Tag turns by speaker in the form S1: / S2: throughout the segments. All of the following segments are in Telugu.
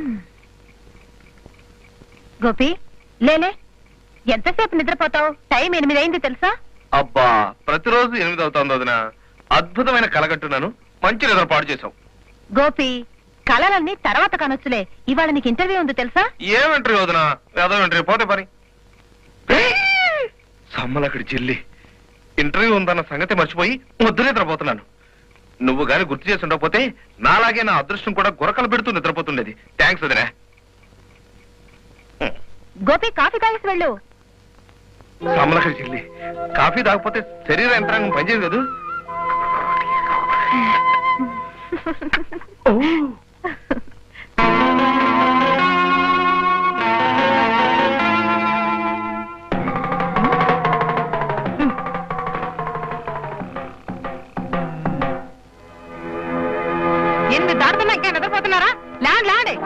S1: గోపి లేలే, ఎంతసేపు నిద్రపోతావు? టైం 8 అయింది తెలుసా?
S2: అబ్బా, ప్రతిరోజు 8 అవుతుంది వదిన. అద్భుతమైన కలగట్టున్నాను, మంచి నిద్ర పాడు చేసావు.
S1: గోపి, కళలన్నీ తర్వాత కనొచ్చులే. ఇవాళ నీకు ఇంటర్వ్యూ ఉంది తెలుసా?
S2: ఏమంటారు వదిన? ఏదో ఇంటర్వ్యూ పోతే పని. సమ్మలక్కడి చెల్లి, ఇంటర్వ్యూ ఉందన్న సంగతి మర్చిపోయి ముద్దు నిద్రపోతున్నాను. నువ్వు గాని గుర్తు చేసి ఉండకపోతే నాలాగే నా అదృష్టం కూడా గురకలు పెడుతూ నిద్రపోతుండేది. థ్యాంక్స్ వదినా.
S1: గోపి, కాఫీ తాగేసి వెళ్ళు.
S2: సమ్మలక్కడి చెల్లి, కాఫీ తాగకపోతే శరీర యంత్రాంగం పనిచేయదు కదా.
S1: ఎనిమిది దాటుతున్నా ఇంకా నిద్రపోతున్నారా? Land land.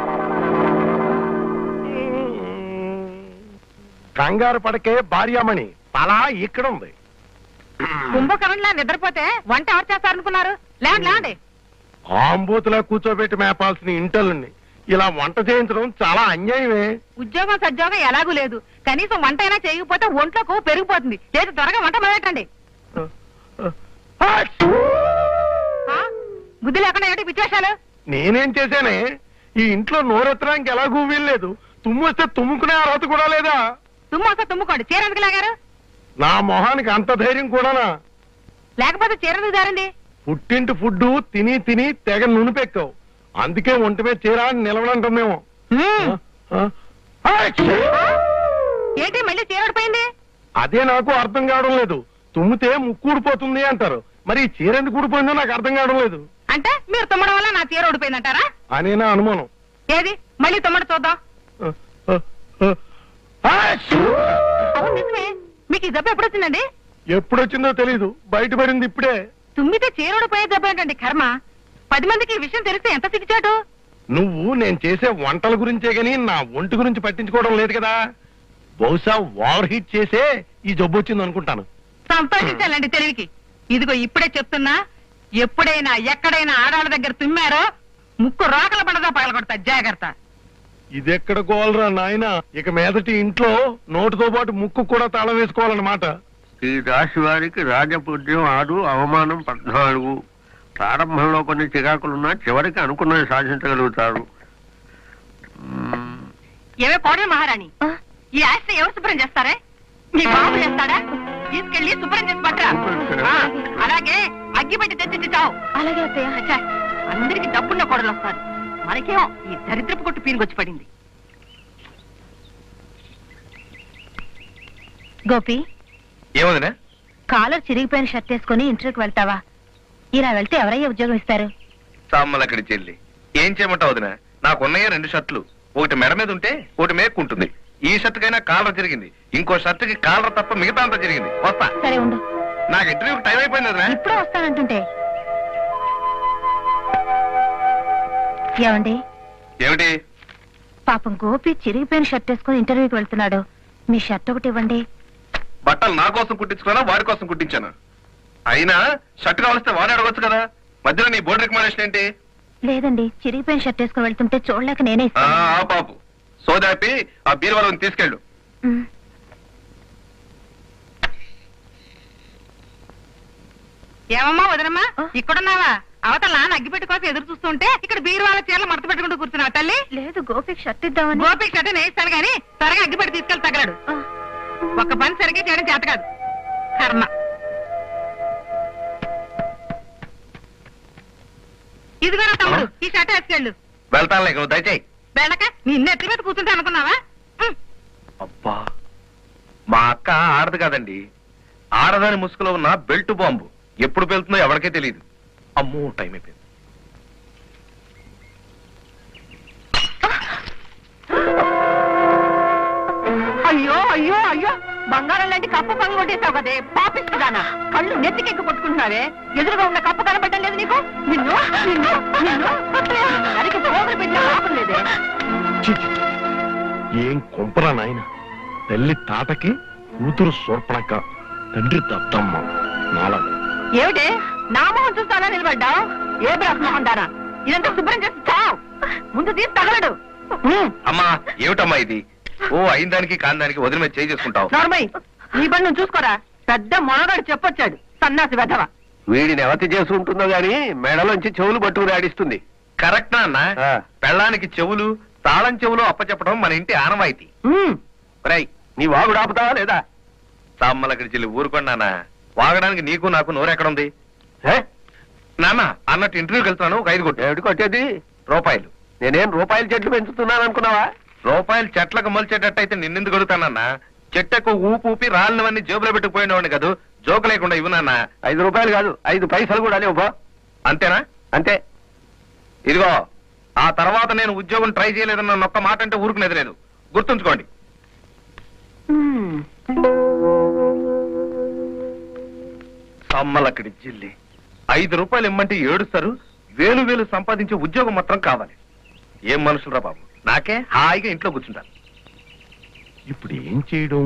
S3: కంగారు పడకే భార్యామణి, తలా ఇక్కడ ఉంది.
S1: కుంభకరణ్లా నిద్రపోతే వంట ఎవరు చేస్తారనుకున్నారు? Land land.
S3: ఆంబూతులా కూర్చోబెట్టి మేపాల్సిన ఇంటల్ని ఇలా వంట చేయించడం చాలా అన్యాయమే.
S1: ఉద్యోగం సద్యోగం ఎలాగూ లేదు, కనీసం వంట అయినా చేయకపోతే ఒంట్లోకి పెరిగిపోతుంది. చేతి త్వరగా వంట మొదలెట్టండి. బుద్ధి లేకుండా ఏంటి విశేషాలు?
S3: నేనేం చేశానే? ఈ ఇంట్లో నోరెత్తడానికి ఎలాగూ వీల్లేదు. తుమ్మొస్తే తుమ్ముకునే అర్హత కూడా లేదా?
S1: తుమ్మొస్తే తుమ్ముకోండి. చీర ఎందుకు లాగారు?
S3: నా మొహానికి అంత ధైర్యం కూడానా?
S1: లేకపోతే చీర ఎందుకు జారింది?
S3: పుట్టింటి ఫుడ్డు తిని తిని తెగ నునిపెక్కావు, అందుకే ఒంటి మీద చీర నిలవడంటామేమో.
S1: ఏంటి మళ్ళీ చీర ఊడిపోయింది?
S3: అదే నాకు అర్థం కావడం లేదు. తుమ్మితే ముక్కు ఊడిపోతుంది అంటారు, మరి ఈ చీర ఎందుకు ఊడిపోయిందో నాకు అర్థం కావడం లేదు.
S1: అంటే మీరు తుమ్మడం వల్ల నా చీర ఊడిపోయిందంటారా?
S3: అనే నా అనుమానం.
S1: ఏది మళ్ళీ తుమ్మడి చూద్దాం. అవును నిజమే. మీకు ఈ జబ్బు ఎప్పుడు వచ్చిందండి?
S3: ఎప్పుడొచ్చిందో తెలీదు, బయటపడింది ఇప్పుడే.
S1: తుమ్మితే చీర ఊడిపోయే జబ్బు ఏంటండి కర్మ? 10 మందికి ఈ విషయం తెలిస్తే ఎంత సిగ్గుచాటు.
S3: నువ్వు నేను చేసే వంటల గురించే గాని నా ఒంటి గురించి పట్టించుకోవడం లేదు కదా. బహుశా ఓవర్ హీట్ చేసే ఈ జబ్బు వచ్చింది అనుకుంటాను.
S1: సంతోషించాలండి తెలివికి. ఇదిగో ఇప్పుడే చెప్తున్నా, ఎప్పుడైనా ఎక్కడైనా ఆడాళ్ళ దగ్గర తుమ్మారో ముక్కు రోకల పడదా పగలగొడతా, జాగ్రత్త.
S3: ఇదెక్కడ గోలరా నాయన, ఇక మీదటి ఇంట్లో నోటితో పాటు ముక్కు కూడా తాళం వేసుకోవాలన్నమాట.
S4: ఈ రాశి వారికి రాజపుత్యం 6, అవమానం 14. ప్రారంభంలో కొన్ని చికాకులున్నా చివరికి అనుకున్నది సాధించగలుగుతారు.
S1: ఏమే కోడలు మహారాణి, ఈ ఆస్తి ఎవరు శుభ్రం చేస్తారే? మీ బాబు చేస్తాడా? తీసుకెళ్లి శుభ్రం చేసి పట్టరా. అలాగే అగ్గి పెట్టి తెచ్చి చావు. అలాగే అందరికి డబ్బున్న కోడలు వస్తారు, మనకేమో ఈ దరిద్రపు కొట్టు పీనుకొచ్చి పడింది. గోపి,
S2: ఏమదినా?
S1: కాలర్ చిరిగిపోయిన షర్ట్ వేసుకుని ఇంటర్వ్యూకి వెళ్తావా? ఇలా వెళ్తే ఎవరయ్యా ఉద్యోగం ఇస్తారు?
S2: సమ్మలక్కడి చెల్లి, ఏం చేయమంటావు వదినా? నాకున్నయ్యే 2 షర్ట్లు, ఒకటి మెడ మీద ఉంటే ఒకటి మేక్కుంటుంది. ఈ షర్ట్ కైనా కాలర్ జరిగింది, ఇంకో షర్ట్ కి కాలర్ తప్ప మిగతా అంతా జరిగింది. వస్తా.
S1: సరే ఉండు,
S2: నాకు ఇంటర్వ్యూకి టైం అయిపోయింది వదినా.
S1: ఇప్పుడే వస్తానంటుంటే. ఏమండి?
S2: ఏమిటి?
S1: పాపం గోపి చిరిగిపోయిన షర్ట్ వేసుకుని ఇంటర్వ్యూకి వెళ్తున్నాడు, మీ షర్ట్ ఒకటి ఇవ్వండి.
S2: బట్టలు నా కోసం కుట్టించుకున్నా వాడి కోసం కుట్టించాను? అయినా షర్ట్ కావలిస్తే వాడే అడగొచ్చు కదా, మధ్యలో నీ బోర్డు రికమెండేషన్ ఏంటి?
S1: లేదండి, చిరిగిపోయిన షర్ట్ వేసుకుని వెళ్తుంటే చూడలేక నేనే
S2: ఆ పాపు సోదాపి ఆ బీరువాళ్ళని తీసుకెళ్ళు.
S1: ఏమమ్మా వదనమ్మా, ఇక్కడున్నావా? అవతల నాన్న అగ్గిపెట్టి కోసం ఎదురు చూస్తుంటే ఇక్కడ బీరువాళ్ళ చీరలు మడత పెట్టుకుంటూ కూర్చున్నావు తల్లి. లేదు, గోపికి షర్ట్ ఇద్దామని. గోపికి షర్ట్ నేస్తాను గానీ త్వరగా అగ్గిపెట్టి తీసుకెళ్ళి తగలడు. ఒక్క పని సరిగ్గా చేయడం చేత కాదు, కర్మ. ఇదిగో నా తమ్ముడు, ఈ షర్ట్ వేసుకెళ్ళు.
S2: వెళ్తానులే, నువ్వు దయచేయి.
S1: వెళ్ళక నిన్న ఎత్తి మీద కూర్చుంటే అనుకున్నావా?
S2: అబ్బా, మా అక్క ఆడదు కాదండి, ఆడదాని ముసుగులో ఉన్న బెల్ట్ బాంబు. ఎప్పుడు వెళ్తుందో ఎవరికే తెలియదు. అమ్మో, టైం అయిపోయింది.
S1: అయ్యో అయ్యో అయ్యో, బంగారం లాంటి కప్పు పని కొట్టేసావు కదే పాపిస్తుదానా. కళ్ళు నెత్తికెక్కి కొట్టుకుంటున్నావే, ఎదురుగా ఉన్న కప్పు కనబడ్డం లేదు నీకు? నిన్ను నిన్ను నిన్ను అరికి పోగులు పెట్టిన పాపం లేదే.
S3: ఏం కొంపరా నాయన, తల్లి తాటకి కూతురు సోర్పణక, తండ్రి దత్తమ్మ నాలా.
S1: ఏమిటి నామోహం చూస్తానా నిలబడ్డావు? ఏ బ్రహ్మోహం దానా, ఇదంతా శుభ్రం చేసి చావు. ముందు తీసి తగలడు.
S2: అమ్మా ఏమిటమ్మా ఇది? ఓ అయిన దానికి కాని దానికి వదిలి మీద చేయి చేసుకుంటావు.
S1: నార్మల్ నీ పని నువ్వు చూసుకోరా. పెద్ద మొనగాడు చెప్పొచ్చాడు సన్నాసి వెధవ.
S4: వీడిని ఎవతి చేసి ఉంటుందో గాని మెడలోంచి చెవులు పట్టుకుని ఆడిస్తుంది.
S2: కరెక్ట్ అన్న. పెళ్ళానికి చెవులు తాళం చెవులు అప్పచెప్పడం మన ఇంటి ఆనవాయితీ.
S4: రై నీ వాగుడు ఆపుతావా లేదా?
S2: తమ్మలక్కడి చెల్లి ఊరుకున్నానా? వాగడానికి నీకు నాకు నోరెక్కడుంది? నాన్న అన్నట్టు ఇంటర్వ్యూకి వెళ్తున్నాను, ఒక 5 కొట్టు.
S4: ఏమిటి కొట్టేది?
S2: రూపాయలు.
S4: నేనేం రూపాయల చెట్లు పెంచుతున్నాను అనుకున్నావా?
S2: రూపాయలు చెట్లకు మొలిచేటట్టయితే నిన్నెందుకు అడుగుతానన్నా? చెట్టకు ఊపు ఊపి రాళ్ళవన్నీ జేబులో పెట్టుకుపోయినవాడిని కాదు. జోకు లేకుండా ఇవ్వు నాన్న.
S4: 5 రూపాయలు కాదు 5 పైసలు కూడా లేవు.
S2: అంతేనా?
S4: అంతే.
S2: ఇదిగో ఆ తర్వాత నేను ఉద్యోగం ట్రై చేయలేదన్న ఒక్క మాట అంటే ఊరుకునేది లేదు, గుర్తుంచుకోండి. సమ్మలక్కడి జిల్లి 5 రూపాయలు ఇమ్మంటే ఏడుస్తారు. వేలు వేలు సంపాదించే ఉద్యోగం మాత్రం కావాలి. ఏం మనుషులరా బాబు. నాకే హాయిగా ఇంట్లో కూర్చుంటాను.
S3: ఇప్పుడు ఏం చేయడం?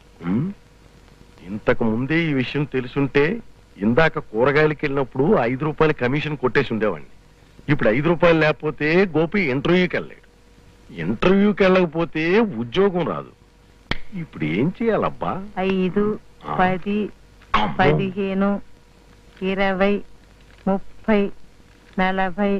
S3: ఇంతకు ముందే ఈ విషయం తెలుసుంటే ఇందాక కూరగాయలకి వెళ్ళినప్పుడు 5 రూపాయల కమిషన్ కొట్టేసి ఉండేవాడిని. ఇప్పుడు 5 రూపాయలు లేకపోతే గోపి ఇంటర్వ్యూకి వెళ్ళాడు. ఇంటర్వ్యూకి వెళ్ళకపోతే ఉద్యోగం రాదు. ఇప్పుడు ఏం చేయాలబ్బా?
S1: 5, 10, 15, 20, 30, 40.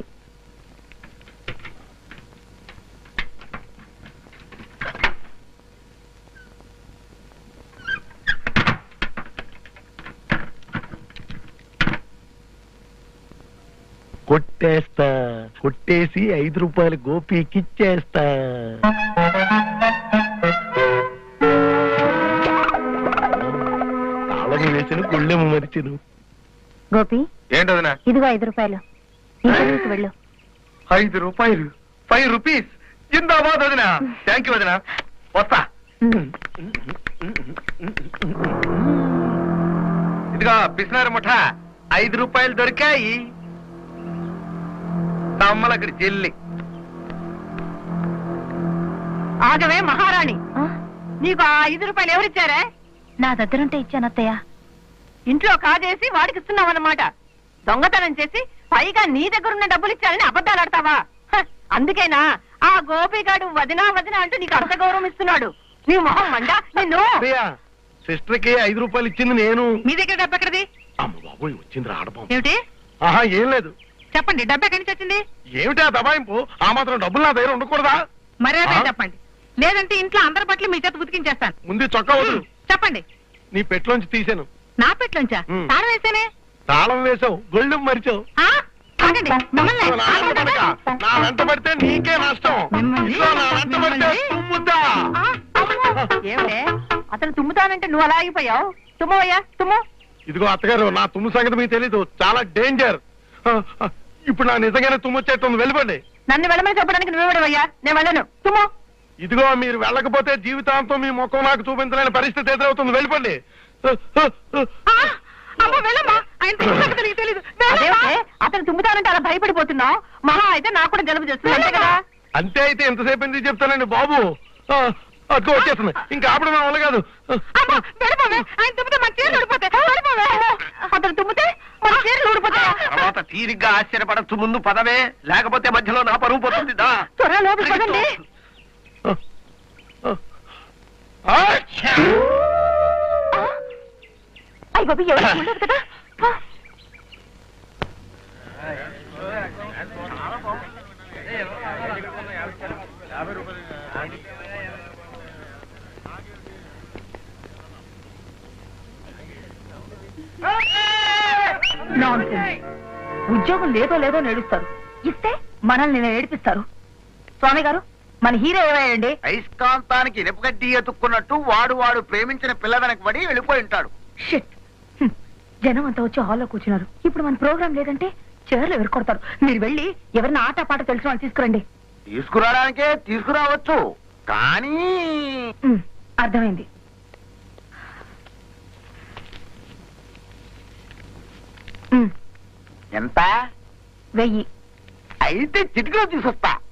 S3: కొట్టేస్తా. కొట్టేసి 5 రూపాయలు గోపికిచ్చేస్తా. తాళం వేసిన గుళ్ళెము మరిచిను.
S5: గోపి
S2: ఏంటదినా?
S5: ఇదిగో 5 రూపాయలు. ఇంటర్వ్యూకి వెళ్ళు.
S2: 5 రూపాయలు? 5 రూపీస్? జిందాబాద్ వదినా. థ్యాంక్ యూ వదినా. వస్తా. ఇదిగో పిసినారు ముఠ 5 రూపాయలు దొరికాయి. తమ్మలక్కడి చెల్లి.
S1: ఆగవే మహారాణి, నీకు ఆ 5 రూపాయలు ఎవరిచ్చారే?
S5: నా దగ్గరుంటే ఇచ్చాను అత్తయ్య.
S1: ఇంట్లో కాజేసి వాడికి ఇస్తున్నావన్నమాట. దొంగతనం చేసి పైగా నీ దగ్గరున్న డబ్బులు ఇచ్చారని అబద్ధాలు ఆడతావా? అందుకేనా ఆ గోపిగాడు వదినా వదినా అంటూ నీకు అంత గౌరవం ఇస్తున్నాడు. నీ మొహం మండ. నిన్ను
S3: సిస్టర్ కి 5 రూపాయలు ఇచ్చింది నేను.
S1: మీ దగ్గర డబ్బు ఎక్కడిది?
S3: అమ్మ బాబోయ్, వచ్చింది రాడబాబు.
S1: ఏమిటి?
S3: ఆహా, ఏం లేదు.
S1: చెప్పండి, డబ్బు ఎక్కడి నుంచి వచ్చింది?
S3: ఏమిటా దబాయింపు? ఆ మాత్రం డబ్బులు నా దగ్గర ఉండకూడదా?
S1: మర్యాద చెప్పండి, లేదంటే ఇంట్లో అందరి పట్ల మీ చేత ఉతికించేస్తాను.
S3: ముందు చొక్కా వదులు.
S1: చెప్పండి.
S3: నీ పెట్లోంచి తీసాను.
S1: నా పెట్లోంచా? తాళం వేసానే.
S3: తాళం వేసావు, గొళ్ళు మరిచావు.
S1: ఆగండి, మిమ్మల్ని
S3: నా వెంట పడితే నీకే నష్టం. ఇదిగో నా వెంట పడితే తుమ్ముద్దా.
S1: ఏమిటే అతను తుమ్ముతానంటే నువ్వు అలా ఆగిపోయావు? తుమ్మవయ్యా, తుమ్ము.
S3: ఇదిగో అత్తగారు, నా తుమ్ము సంగతి మీకు తెలీదు, చాలా డేంజర్. ఇప్పుడు నా నిజంగానే తుమ్మొచ్చేస్తుంది, వెళ్ళిపోండి.
S1: నన్ను వెళ్ళమని చెప్పడానికి నువ్వెవడవయ్యా? నేను వెళ్ళను, తుమ్ము.
S3: ఇదిగో మీరు వెళ్ళకపోతే జీవితాంతం మీ ముఖం నాకు చూపించలేని పరిస్థితి ఎదురవుతుంది, వెళ్ళిపోండి.
S1: అతను తుమ్ముతానంటే అలా భయపడిపోతున్నావు. మహా అయితే నాకు కూడా జలుబు చేస్తుంది, అంతే కదా?
S3: అంతే అయితే ఎంతసేపు ఎందుకు చెప్తానండి బాబు. అదిగో వచ్చేస్తుంది, ఇంకా ఆపడం నా వల్ల కాదు.
S1: అతను తుమ్మితే మన చీరలు ఊడిపోతాయా?
S4: తర్వాత తీరిగ్గా ఆశ్చర్యపడచ్చు. ముందు పదవే, లేకపోతే మధ్యలో నా పరువు పోతుంది.
S1: త్వరగా లోపలికి పదండి. అయ్య బాబు, ఎవరు ఉండదు కదా. ఉద్యోగం లేదో లేదో నేడుస్తారు, ఇస్తే మనల్ని ఏడిపిస్తారు. స్వామి గారు, మన హీరో ఏమయ్యండి?
S6: అయస్కాంతానికి ఇనుపగడ్డి ఎత్తుక్కున్నట్టు వాడు ప్రేమించిన పిల్ల వెనక పడి వెళ్ళిపోయి ఉంటాడు.
S5: జనం అంతా వచ్చి హాల్లో కూర్చున్నారు. ఇప్పుడు మన ప్రోగ్రాం లేదంటే చీరలు ఎదుర్కొడతారు. మీరు వెళ్ళి ఎవరిని ఆట పాట తెలిసిన వాళ్ళు తీసుకురండి.
S6: తీసుకురావడానికే తీసుకురావచ్చు, కానీ
S5: అర్థమైంది.
S6: ఎంత?
S5: 1000.
S6: అయితే చిటికలో తీసుకొస్తా.